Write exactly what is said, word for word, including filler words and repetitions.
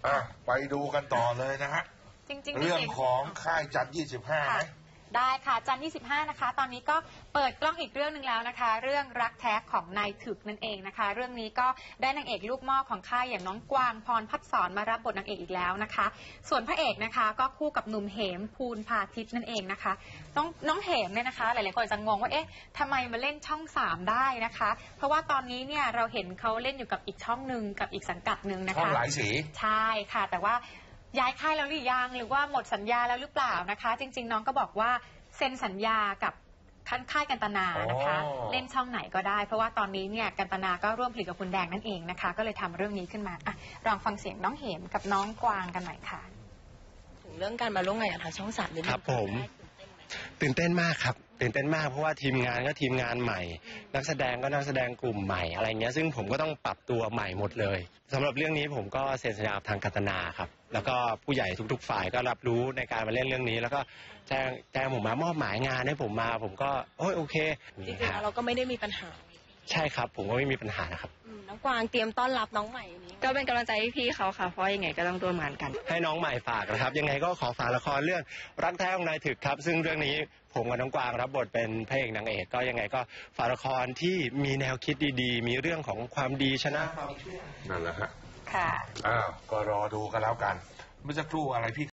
อ่ะไปดูกันต่อเลยนะฮะจริงๆเรื่องของค่ายจันทร์ยี่สิบห้าไหมได้ค่ะจันทร์ยี่สิบห้านะคะตอนนี้ก็เปิดกล้องอีกเรื่องหนึ่งแล้วนะคะเรื่องรักแท้ของนายถึกนั่นเองนะคะเรื่องนี้ก็ได้นางเอกลูกหม้อของค่ายอย่างน้องกวางพรพัฒสอนมารับบทนางเอกอีกแล้วนะคะส่วนพระเอกนะคะก็คู่กับหนุ่มเหมภูลพาทิตย์นั่นเองนะคะน้องน้องเหมเนี่ยนะคะหลายๆคนจะงงว่าเอ๊ะทำไมมาเล่นช่องสามได้นะคะเพราะว่าตอนนี้เนี่ยเราเห็นเขาเล่นอยู่กับอีกช่องหนึ่งกับอีกสังกัดหนึ่งนะคะช่องหลายสีใช่ค่ะแต่ว่าย้ายค่ายแล้วหรือยังหรือว่าหมดสัญญาแล้วหรือเปล่านะคะจริงๆน้องก็บอกว่าเซ็นสัญญากับค่ายกันตนานะคะเล่นช่องไหนก็ได้เพราะว่าตอนนี้เนี่ยกันตนาก็ร่วมผลิตกับคุณแดงนั่นเองนะคะก็เลยทำเรื่องนี้ขึ้นมาอ่ะลองฟังเสียงน้องเหมกับน้องกวางกันหน่อยค่ะถึงเรื่องการมาร่วมงานกับทางช่องสามนิดนึงครับผมตื่นเต้นมากครับตื่นเต้นมากเพราะว่าทีมงานก็ทีมงานใหม่นักแสดงก็นักแสดงกลุ่มใหม่อะไรเงี้ยซึ่งผมก็ต้องปรับตัวใหม่หมดเลยสำหรับเรื่องนี้ผมก็เซ็นสัญญากับทางกันตนาครับแล้วก็ผู้ใหญ่ทุกๆฝ่ายก็รับรู้ในการมาเล่นเรื่องนี้แล้วก็แจ้งแจ้งผมมามอบหมายงานให้ผมมาผมก็โอ้ยโอเคจริงๆเราก็ไม่ได้มีปัญหาใช่ครับผมก็ไม่มีปัญหานะครับน้องกวางเตรียมต้อนรับน้องใหม่นี้ก็เป็นกำลังใจให้พี่เขาค่ะเพราะยังไงก็ต้องร่วมงานกันให้น้องใหม่ฝากนะครับยังไงก็ขอฝากละครเรื่องรักแท้ของนายถึกครับซึ่งเรื่องนี้ผมกับน้องกวางรับบทเป็นพระเอกนางเอกก็ยังไงก็ฝากละครที่มีแนวคิดดีๆมีเรื่องของความดีชนะความชั่วนั่นแหละฮะค่ะอ้าวก็รอดูกันแล้วกันเมื่อสักครู่อะไรพี่